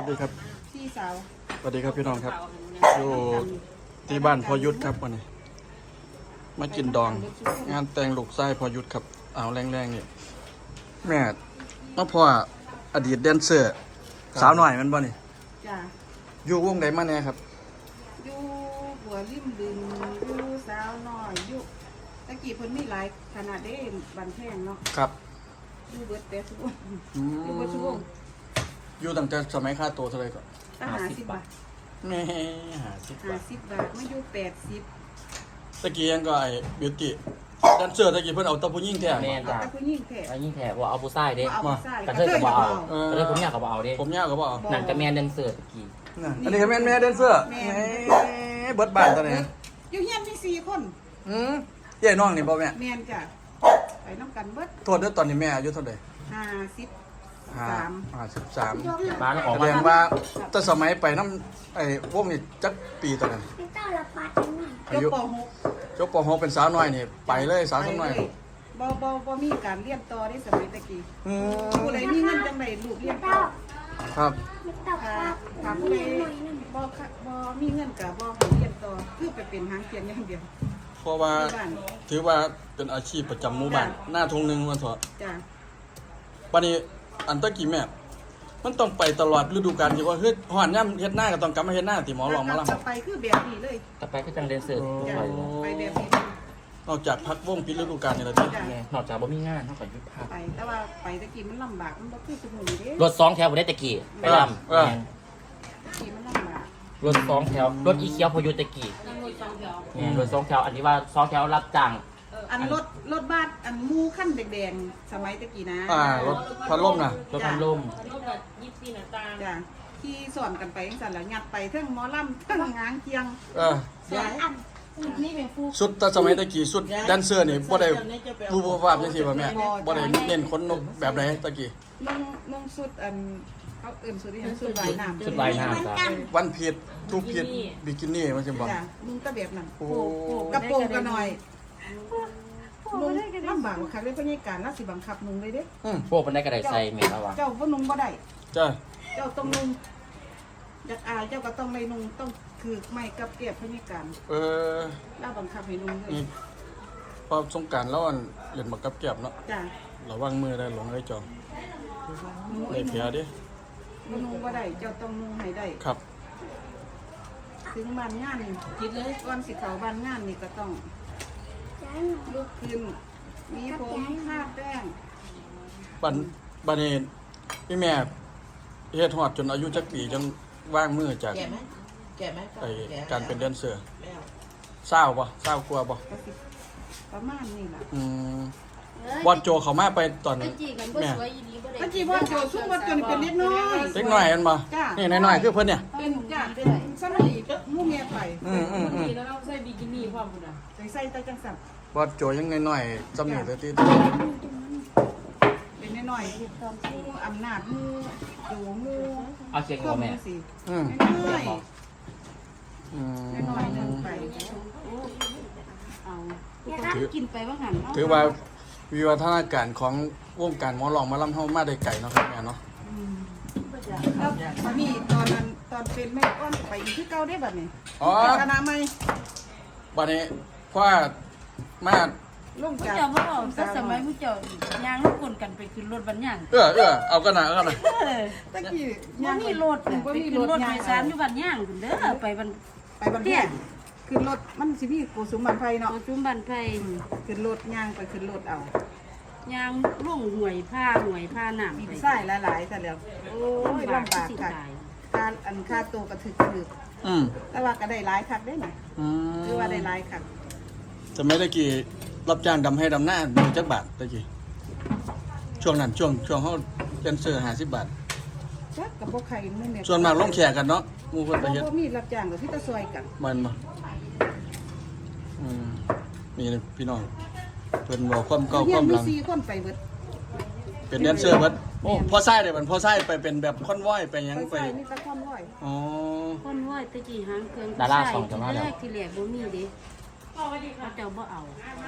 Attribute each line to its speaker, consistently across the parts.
Speaker 1: ดีครับ
Speaker 2: พี่สาว
Speaker 1: สวัสดีครับพี่น้องครับอยู่ที่บ้านพอยุทธครับวันนี้มากินดองงานแต่งลูกไส้พอยุทธครับเอาแรงๆนี่แม่มาพ่ออดีตแดนเซอร์สาวหน่อยมันบ่นี่
Speaker 2: จ้ะ
Speaker 1: อยู่วงใดมาแน่ครับ
Speaker 2: อยู่หัวริมบึงอยู่สาวน้อยอยู่ตะกี้เพิ่นมีหลายขนาดได้บันแพงเนาะ
Speaker 1: ครับ
Speaker 2: อยู่เบิดแต่ทุกวง
Speaker 1: อื
Speaker 2: อยู่เบิดทุกว
Speaker 1: ม
Speaker 2: ง
Speaker 1: อยู่ตั้งแต่สมัยค่าตัวเท่าไหร่ก่อน
Speaker 2: ตั้ง50 บาท
Speaker 1: แม่50 บาท
Speaker 2: 50 บาทมาอยู่80
Speaker 1: ตะกี้ยังก็ไอ้บิวตี้แดนเซอร์ตะกี้เพิ่นเอาแตะผู้หญิงแท้
Speaker 3: แม่น
Speaker 2: เอาแต่ผู้หญิงแท้
Speaker 3: แล้วยิ่งแถบว่าเอาผู้ชายเด้
Speaker 2: บ่เอาผู้ชาย
Speaker 3: กระเทยกับบ่เอา
Speaker 1: เออ
Speaker 3: กระเทยผมอยากกับบ่เอาเด้
Speaker 1: ผมยาวก็บ่เอา
Speaker 3: หนังกระแมนเดนเซอร์ตะกี้
Speaker 1: น่ะอันนี้ก็แม่นแม่แดนเซอร์แม่เบิดบ้านตอนนี้
Speaker 2: อยู่เฮียนมี4 คน
Speaker 1: ใหญ่น้องนี่บ่แม่
Speaker 2: แม่นจ้ะไปนำกันเบิด
Speaker 1: โทษเด้อตอนนี้แม่อายุเท่าไหร่
Speaker 2: 53
Speaker 1: 53
Speaker 3: บ้านออก
Speaker 1: แส
Speaker 3: มา
Speaker 1: ดงว่าแต่สมัยไปน้ำไอ้พวกนี้จักปีตอนนั้น
Speaker 4: ไม่ต้องละปัดกันหน่อย
Speaker 1: อายุ
Speaker 2: จบป
Speaker 1: จบป .6 เป็นสาวน้อยนี่ไปเลยสาว
Speaker 2: .6
Speaker 1: สาวน้อย
Speaker 2: บ่มีการเรียนต่อได้สมัยตะกี้
Speaker 1: อืม
Speaker 2: ผู้ใดมีเงินจังไดลูกเรียนต่อ
Speaker 1: ครับ
Speaker 4: ไม่ต้อง
Speaker 2: ถ้า
Speaker 4: ปัด
Speaker 2: ถ้าผู้ใดบ่มีเงินก็บ่ให้เรียนต่อคือไปเป็นหางเขียนอย่างเดียว
Speaker 1: เพราะว่า
Speaker 2: ที่บ้าน
Speaker 1: ถือว่าเป็นอาชีพประจำหมู่บ้านหน้าทงหนึงวันเถอะ
Speaker 2: จ้ะ
Speaker 1: บัดนี้อันตะกี้แม่มันต้องไปตลอดฤดูกาลที่ว่าเฮ็ดฮ้อนย่ำเฮ็ดหน้าก็ต้องกลับมาเฮ็ดหน้าที่หมอลองมาลำ
Speaker 2: จะไปคือแบบนี้เลย
Speaker 3: ต่อไปก็จังเดนเซอร์ทุก
Speaker 2: จ้ะ
Speaker 3: คน
Speaker 2: ไปแบบนี้เลย
Speaker 1: นอกจากพักวงปิดฤดูกาลนี่แหละติ
Speaker 2: จ้ะ
Speaker 3: แม่นอกจากบ่มีงานเท่ากับยุทธภาพ
Speaker 2: ไปแต่ว่าไปตะกี้มันลำบากมันบ่คือสมุนเด้
Speaker 3: รถ2 แถวบ่ได้ตะกี้ไปลำแม่น
Speaker 2: ตะกี้มันลำบาก
Speaker 3: รถ2 แถวรถอีเขียวพอยุทธตะกี้แม่นรถ2 แถวอันนี้ว่า2 แถวรับจ้าง
Speaker 2: อันรถบ้านอันมูขั้นแดงๆสมัยตะกี้นะ
Speaker 1: รถพัดลมน่ะ
Speaker 3: รถพัดลม
Speaker 2: จ้ะขี่สอนกันไปจังซั่นแล้วยัดไปเทั้งหมอลำเทั้งงางเคียง
Speaker 4: สวนอัน
Speaker 2: นี่เป็นผู้
Speaker 1: สุดแต่สมัยตะกี้สุดแดนเซอร์นี่บ่ได้รูปภาพจังซี่บ่แม่บ่ได้เน้นคนนกแบบใดตะกี้
Speaker 2: นุ่งสุดอันเขาเอิ่นสุดที่ยังสุดว่ายน้ำ
Speaker 3: ชุดว่ายน้ำจ้ะ
Speaker 1: วันผิดทุกผิดบิกินี่มันสิบ่
Speaker 2: จ้ะนุ่งก็แบบนั้น
Speaker 1: โอ้
Speaker 2: กระโปรงก็หน่อยนุ่งลำบากกว่าคักเลยเพราะนี่การรัสิบังคับนุ่งเลยเด้
Speaker 3: พวกมันได้กระไดใส่แม่นแล้วว่า
Speaker 2: เจ้าก็นุ่งบ่ได้
Speaker 1: จ้า
Speaker 2: เจ้าต้องนุ่งอยากอายเจ้าก็ต้องไม่นุ่งต้องคือไม่กับเกียบเพราะนี่การ ล่าบังคับให้นุ่งเลย
Speaker 1: นี่พอสงกรารแล้วอันเล่นบักกับแก็บเนาะ
Speaker 2: จ้ะ
Speaker 1: ระวังมือได้หลงได้จอง
Speaker 2: นุ่ง
Speaker 1: ได้เพียดิ
Speaker 2: นุ่งบ่ได้เจ้าต้องนุ่งให้ได้
Speaker 1: ครับ
Speaker 2: ถึงบ้านงานคิดเลยก่อนสิเข้าบ้านงานนี่ก็ต้อง
Speaker 4: ย้ายหน่อย
Speaker 2: ลุกขึ้นมีผมทาแป้ง
Speaker 1: บัดนี้พี่แม่เฮ็ดฮอดจนอายุจักปีจังว่างมือจาก
Speaker 5: แก่ไหมแก่ไหม
Speaker 1: ไอ้การเป็นแดนเซอร์
Speaker 5: ไม่เอา
Speaker 1: เศร้าบ่เศร้ากลัวบ่
Speaker 2: ก็สิประมาณนี้ล่ะ
Speaker 1: บอลโจเขามาไปตอนแม่
Speaker 2: เมื่อกี้ว่าโจซุ่มว่าจนเป็นเล็กน้อย
Speaker 1: เล็กน้อยอันบ่
Speaker 2: จ้ะ
Speaker 1: นี่น้อยๆคือเพิ่นเนี่ย
Speaker 2: เป็นจ้ะเป็นสมัยหมู่เมียไป
Speaker 6: แล้วเราใส่บิกินี่พร้อมพุ่นน่ะ
Speaker 2: ใส่แต่จังสัน
Speaker 1: บอลโจยังน้อยๆจำนี่แต่ที่
Speaker 2: เป็นน้อยๆผู้อำนาจหมู่โจหมู่
Speaker 3: เอาเสียง
Speaker 2: ข้
Speaker 3: บ่
Speaker 2: อมู
Speaker 3: แม่
Speaker 2: ลสิ
Speaker 1: อืม
Speaker 2: น้อย
Speaker 1: อืม
Speaker 2: ๆน้อยๆนึงไปเอา
Speaker 4: กินไปว่าหัน
Speaker 1: ถือว่าวิวัฒนาการของวงการหมอลองหมาลำเฮามาได้ไกลเนาะครับแม่เนาะ
Speaker 2: แล้วมันมีตอนนั้นตอนเป็นแม่ก้อนไปอีกที่เก่าได้บัดนี้
Speaker 1: อ๋อ
Speaker 2: คณะใหม่
Speaker 1: บัดนี้เพราะว่ามา
Speaker 2: ลง
Speaker 6: ผู้
Speaker 2: จาก
Speaker 6: เจ้าบ่เอาแต่สมัยผู้เจ้าย่างลูกคนกันไปขึ้นรถบันย่าง
Speaker 1: เอากันนะเอากันนะ
Speaker 2: ตะกี้
Speaker 6: บ่มีรถน่ะ
Speaker 2: บ่
Speaker 6: ไป
Speaker 2: มี
Speaker 6: ขึ้น
Speaker 2: ร
Speaker 6: ร
Speaker 2: ถ
Speaker 6: ถ
Speaker 2: ให
Speaker 6: โด
Speaker 2: ญ่
Speaker 6: ยสารอยู่บันย่างพุ่นเด้อไปบัน
Speaker 2: ไปบันเทียขึ้นรถมันสิมีโกสุมบันไฟเนาะ
Speaker 6: เอาจุมบันไผ
Speaker 2: ขึ้นรถย่างไปขึ้นรถเอา
Speaker 6: ย่างล่งห่วยผ้าน้ำ
Speaker 2: มี
Speaker 6: ไป
Speaker 2: ไส้หลายๆแต่แล้วโอ้ยลำบาก
Speaker 6: สิ
Speaker 2: ค่ะ
Speaker 6: ตาย
Speaker 2: ค่าตัวกระถึกแต่ว่าก็ได้หลายคักได้น่ะคือว่าได้หลายคัก
Speaker 1: จะไม่ได้กี่รับจ้างดำให้ดำหน้ามีจักบาทตะกี้ช่วงนั้นช่วงเฮาแดนเซอร์50 บาท
Speaker 2: จักกับบ่ใครมื้อเนี่ย
Speaker 1: ส่วนมากลงแขกกันเนาะหมู่เพิ่นไปเฮ็ด
Speaker 2: บ่มีรับจ้างกับพี่ตะซอยกัน
Speaker 1: มันบ่มีพี่น้องเพิ่นบอกความเก่าความหลัง
Speaker 2: มี4คนไปเบิด
Speaker 1: เป็นแดนเซอร์เบิดพอไส้ได้บัดพอไส้ไปเป็นแบบคอนวอยไปหยัง
Speaker 2: ไป
Speaker 1: ไป
Speaker 2: ใส่นี่ตะความร้อย
Speaker 1: อ๋อ
Speaker 6: คนว่าตะกี้หางเครื่อง
Speaker 3: ดาราสองจะมา
Speaker 6: แร
Speaker 3: แล้ว
Speaker 6: กที่แรกบ่มีเด้เขาเจ้าบ่เอา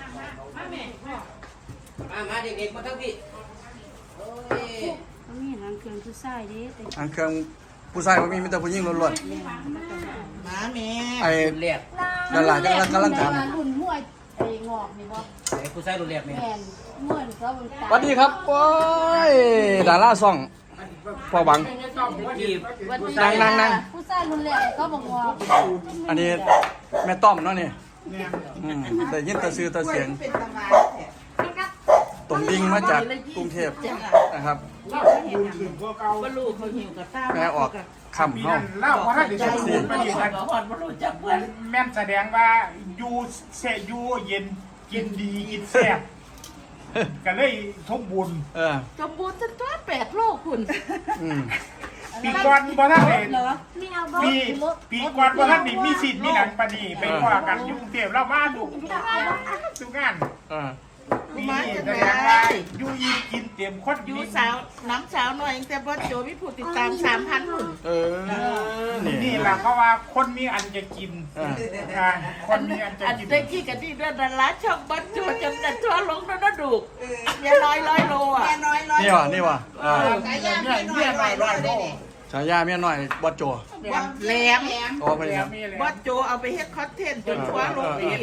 Speaker 5: มาเด็กๆมาทั้งพี่โอ้ย
Speaker 6: เขามีหางเครื่องผู้ชายเด้แต่
Speaker 1: อันเครื่องผู้ชายบ่มีแต่ผู้หญิงล้วน
Speaker 5: หมาแม่
Speaker 1: ๆไอ้
Speaker 3: รุ่นแรก
Speaker 1: นั่นล่ะกำลังถาม
Speaker 6: รุ่นมวยไอ้งอกนี่บ่
Speaker 3: ไอ้ผู้ชายรุ่นแรกแม่
Speaker 6: แม่นมวยเขาบ่
Speaker 1: สวัสดีครับโอ้ยดาราซ่องพ่อหวัง
Speaker 3: กี่
Speaker 1: นั่ง
Speaker 6: ผู้ชายรุ่นแรกเขาบ่งอก
Speaker 1: อันนี้แม่ต้อมเนาะนี่ได้ยินแต่ชื่อแต่เสียง
Speaker 2: เป็นตำนานแท้
Speaker 1: ตรงดิ่งมาจากกรุงเทพนะครับ
Speaker 5: ว่าลูกเขาหิวกับตา
Speaker 1: แม่ออกคำเฮา
Speaker 7: เล่าว่าถ้าเดี๋ยวจะพูดไปอีกกัน
Speaker 5: หอดว่ารู้จักเพื่อน
Speaker 7: แม่นแสดงว่าอยู่เสยอยู่เย็นกินดีกินแซ่บก็เลยสมบูรณ์
Speaker 1: เออ
Speaker 5: สมบูรณ์จนตัว8โลคุณ
Speaker 1: อืม
Speaker 7: ปีก่อนบ่ท่านเห็น
Speaker 4: ไม่เอาบ่
Speaker 7: ปีก่อนบ่ท่านนี่มีสิทธิ์มีหนังปานนีไปว่ากันอยู่กรุงเทพแล้วมาดูทุกงาน
Speaker 1: เออ
Speaker 7: ปีนี้แสดงว่าอยู่ยินกินเต็มคน
Speaker 5: อยู่สาวน้ำสาวหน่อยแต่บ่โจมีผู้ติดตาม 3,000หุ่น
Speaker 1: เออนี่
Speaker 7: นี่แหละเพราะว่าคนมีอันจะกิน
Speaker 1: เออ
Speaker 7: คนมีอันจะ
Speaker 5: อัน
Speaker 7: กิน
Speaker 5: เด็กที่กันที่เรื่องดาราช่องบ่โจจนแต่ทั่วลงนั่นดูกเมียน้อย100โลอ่ะ
Speaker 2: แม่น้อยร้อย
Speaker 1: นี่ว่ะอ่า
Speaker 2: ไก่ย่างแม่น้อยร้อยได้ดิ
Speaker 1: ฉายาเมียน้อยบ่โจ
Speaker 5: ว่าแหลม
Speaker 1: อ๋อไปครับ
Speaker 5: บ่โจเอาไปเฮ็ดคอนเทนต์จนทั่วลงอีก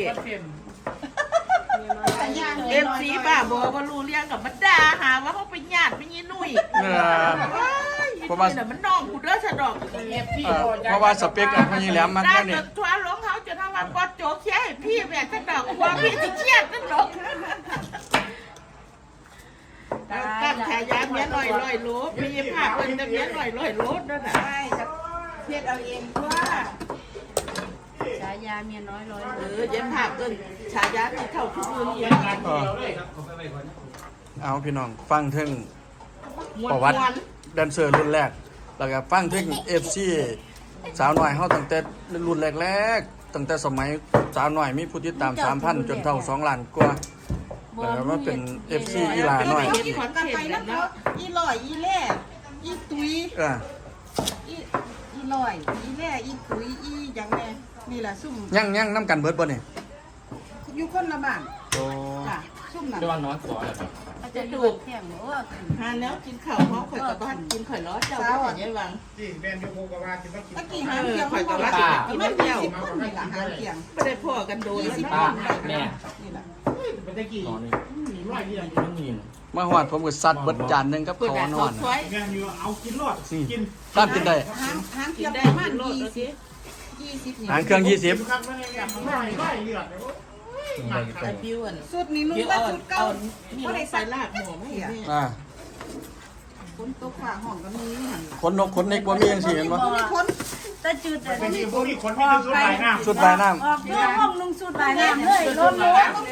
Speaker 5: เอฟซีบ้าบอกว่ารู้เรื่องกับมันด่าหาว่าเขาเป็นญาติไม่ยี่นุ่ย
Speaker 1: เออ
Speaker 5: เพราะว่ามันน้องกูเด้อสะดอก
Speaker 1: เพราะว่าสเปคอันนี้แหลมมัน
Speaker 5: ด่า
Speaker 1: แค่
Speaker 5: จ
Speaker 1: นี้
Speaker 5: นทั่วลงเขาจนทำว่าก็โจเคียให้พี่แม่สะดอกว่าพี่จะเครียดนั่นหรอกตั้งฉายาเมียหน่อยร้อยโลมีภาพเป็นแต่เมียหน่อยร้อยโลนั่นน่ะ
Speaker 2: ใช่จะเพียดเอาเองว่า
Speaker 6: ฉายาเมียน้อยร้อย
Speaker 5: เย็นภาพเกินฉายาที่เท่าทุกคนเย็น
Speaker 1: เออเอาพี่น้องฟังถึง
Speaker 5: มว
Speaker 1: ประวัติ
Speaker 5: น
Speaker 1: แดนเซอร์รุ่นแรก แล้วก็ฟังถึง FC สาวน้อยเฮาตั้งแต่รุ่นแรกๆตั้งแต่สมัยสาวน้อยมีผู้ติดตาม 3,000 จนเท่า2ล้านกว่าแล้วก็มาเป็น FC อีหลาน้อย
Speaker 2: เอากินกันไปแล้วเนาะอีลอยอีแล่อีตุย
Speaker 1: เออ
Speaker 2: อีลอยอีแล่อีตุยอีหยังแน่นี่แหละซุ่ม
Speaker 1: ยังน้ำกันเบิดบ่นี่
Speaker 2: อยู่คนละบ้าน
Speaker 1: โอ้
Speaker 2: จ้ะซุ่มน่ะ
Speaker 3: เรียกว่าน้อยกว่าเลยครับ
Speaker 6: อาจจะดูเที่ยงบ่ว่า
Speaker 5: หาแล้วกินข้าวเขาข่อยกับบ้านกินข่อยล้อเจ้าก็แต่ยังวัง
Speaker 7: ที่แม่นอยู่โคกว่าจะมากิน
Speaker 2: ตะกี้หาเที่ยงไม่พอละไม่20คนนี่ล่ะหาเที่ยง
Speaker 5: ไม่ได้พ่อกันโดนแล้ว
Speaker 3: ป้าแม่
Speaker 2: นี่ล่ะ
Speaker 7: มันตะกี้
Speaker 3: นอนนี่
Speaker 7: ร้อยเดียว
Speaker 3: ไม่มี
Speaker 1: มาฮอดผมก็ซัดเบิดจานหนึงกับ
Speaker 5: เพื่อ
Speaker 1: ข้าวน น
Speaker 5: ข
Speaker 1: อ
Speaker 5: อน ซอย
Speaker 7: แม่นอยู่เอากินรอดกิน
Speaker 1: ตามกินได้
Speaker 2: หาเที่
Speaker 5: กิ
Speaker 2: ย
Speaker 5: น
Speaker 2: ง
Speaker 5: ได้
Speaker 2: ประมาณ
Speaker 5: โลดแล้วสิ
Speaker 2: 20นี่
Speaker 1: หางเครื่อง 20
Speaker 7: ครับไม่ได้ไม่เลือดเลย
Speaker 5: ไอ้บิวอ่ะ
Speaker 2: สุดนี้นุ่ง
Speaker 5: บิว
Speaker 2: ว่า
Speaker 5: เอา
Speaker 2: สุดเก่า
Speaker 5: นี่
Speaker 2: บ่
Speaker 5: ได้
Speaker 2: ได้
Speaker 5: ใส่
Speaker 2: ใส่
Speaker 5: ลากหมูไม่เห็น
Speaker 1: อ่า
Speaker 2: คนตกฝาห้องก็มีหั่นล่ะ
Speaker 1: ขนนกขนเน็กบ่มีจังซี่เห็นบ่
Speaker 2: มีคน
Speaker 6: แต่จุด
Speaker 7: ตะกี้พวกนี้คนที่สุดหลายน้ำ
Speaker 1: สุดปลายน้ำ
Speaker 6: ออกเรื่องห้องนุ่งสุดหลายน้ำเลยล้มเลย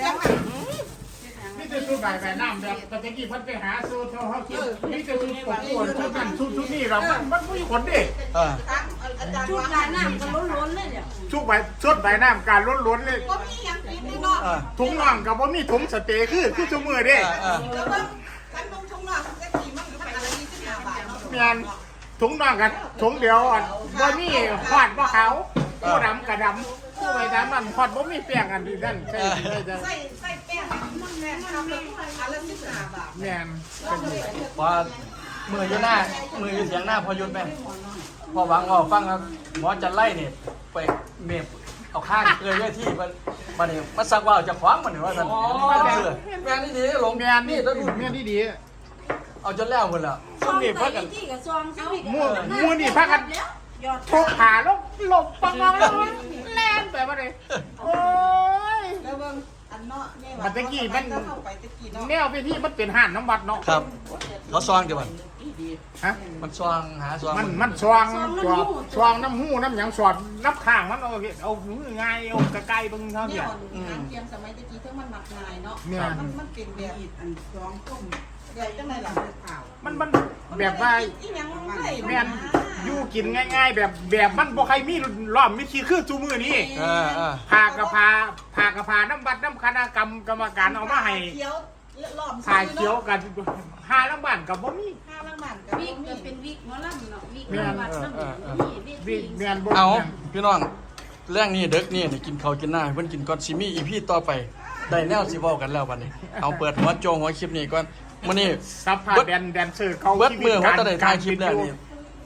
Speaker 7: นี่จะสุดหลายน้ำแบบตะกี้พัดไปหาสูตรเขาคิดนี่จะสุดปวดปวดทุกนั้นทุกนี่เรามันไม่คนดิ
Speaker 1: เออ
Speaker 6: ชุดหลายน้ำก็ล้นๆเลยเนี่ย
Speaker 7: ชุดใบชุดใบน้ำการล้วนๆเลย
Speaker 2: บ่มีหยังกินนี่เนาะ
Speaker 1: เออ
Speaker 7: ถุงน่องกับว่ามีถุงสเต็กคือชั่วมือเด้
Speaker 1: เออ
Speaker 2: แล้วก็คันนุ่งชงหน้าตะกี้มันก็ไปละ25 บาทเนาะ
Speaker 7: เมียนถุงน่องกันถุงเดียวว่ามีขวาดว่าเขาผู้ดำกับดำผู้ใบดำมันขวาดว่ามีเปียกอันนี้นั่นใช่ใช่
Speaker 2: ใส่แป้งมันแม่ทำแล้วอันละ15 บาท
Speaker 7: เมียน
Speaker 1: ว่ามืออยู่หน้ามืออยู่เสียงหน้าพอหยุดแม่พอหวังออกฟังครับหมอจะไล่นี่ไปเมฟเอาข้างเกยไว้ที่บัดนี้มาสักว่าจะขวางมันนี่ว่าซั่นเชื่อแม่นี่ดีหลง
Speaker 7: เมียน
Speaker 1: นี่
Speaker 7: นี่
Speaker 1: ตัวดู
Speaker 7: เมียนที่ดี
Speaker 1: เอาจนแล้วพุ่นแล้วซุ่มนี่พักกัน
Speaker 6: ที่กับซองสิ
Speaker 7: มูนี่พักกันทุกขาลบหลบปังงแล้วแล่นไปมาเลยโอ้ย
Speaker 2: แล้วเบิ่งอันเนาะนี่ว่า
Speaker 7: มันตะกี้มัน
Speaker 2: เข้าไปตะกี้เนาะ
Speaker 7: แนวไปที่มันเป็นห่านน้ำบัดเนาะ
Speaker 1: ครับเขาซองเดี๋ยวมัน
Speaker 7: ฮะ
Speaker 1: มันซองหาซอง
Speaker 7: มันสว่างสว่างน้ำหูน้ำหยังสอดน้ำข้างมันเอามือง่ายเอากระไกลบึงเท่า
Speaker 2: เนี่
Speaker 7: นี้
Speaker 2: ยทางเทียมสมัยตะกี้ถึงมันหมักง่ายเนาะ
Speaker 7: เนี่ย
Speaker 2: มันเป็นแบบอันสองต้มใหญ่จังได๋ล่ะข่าว
Speaker 7: มันแบบว่า
Speaker 2: อีหยังมันได้
Speaker 7: แม่นอยู่กินง่ายๆ แบบมันบ่ใครมีล้อมมีขี้คือจูมือนี่
Speaker 1: เออ
Speaker 7: พากระพาน้ำบัดน้ำคณะกรรมการเอามาให้
Speaker 2: เขียวล้อม
Speaker 7: ถ่ายเขียวกันหาลังบ้านกับบ่มี
Speaker 2: ข้าวล้างบ้านก็
Speaker 6: วิ
Speaker 2: บ่
Speaker 6: ก
Speaker 2: มี
Speaker 6: ก็เป็นวิกหมอลำเนาะวิก
Speaker 7: แม่น
Speaker 6: วัดน้ำนี่
Speaker 7: วิแม่นบ่
Speaker 1: เอาพี่น้องเรื่องนี้เด็กนี่กินข้าวกินหน้าให้เพิ่นกินก่อนสิมีอีพีต่อไปได้แนวสิเว้ากันแล้วบัดนี้เอาเปิดหัวโจงหัวคลิปนี้ก่อนมื้อนี้
Speaker 7: ซับพาแดนเซอร์เขา
Speaker 1: เบิดมือเขาจะได้ถ่ายคลิปแล้วนี่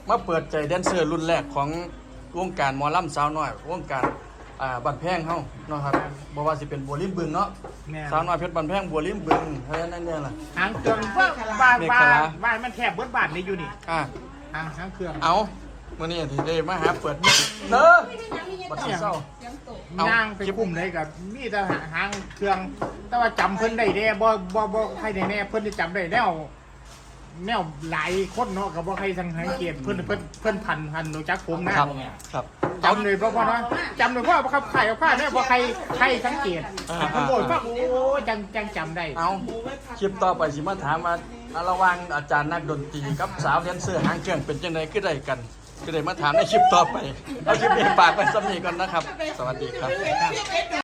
Speaker 1: มาเปิดใจแดนเซอร์รุ่นแรกของวงการหมอลำสาวน้อยวงการบันแพงเฮาเนาะครับบ่ว่าสิเป็นบัวริมบึงเนาะ
Speaker 7: แม่
Speaker 1: สาวน้อยเพชรบันแพงบัวริมบึงอะไรนั่นเนี่ยล่ะ
Speaker 7: หางเครื่องบ้านมันแคบเบิดบ้านนี่อยู่นี่
Speaker 1: อ่ะ
Speaker 7: หางเครื่อง
Speaker 1: เอามื้อนี้ที่ได้มาหาเปิดเด้อบัดนี้เศร้า เอา
Speaker 7: ย่างไปกลุ่มเลยกับมีแต่หางเครื่อง แต่ว่าจำเพิ่นได้แน่บ่ใครได้แน่เพิ่นจะจำได้แนวหลายคนเนาะกับบ่ใครสังเกตเพิ่นพันรู้จักผมนะครับ
Speaker 1: ครับ
Speaker 7: จำเลยเพราะว่าจำเลยเพราะว่าเขาขายเอาผ้าเนี่ยบ่ใครสังเกตเพิ่นบอกว่าโอ้จังจำได้
Speaker 1: เอาคลิปต่อไปสิมาถามว่าระหว่างอาจารย์นักดนตรีกับสาวแดนเซอร์หางเครื่องเป็นจังไดคือได้กันคือได้มาถามในคลิปต่อไปเอาคลิปนี้ฝากไว้สำนีก่อนนะครับ สวัสดีครับ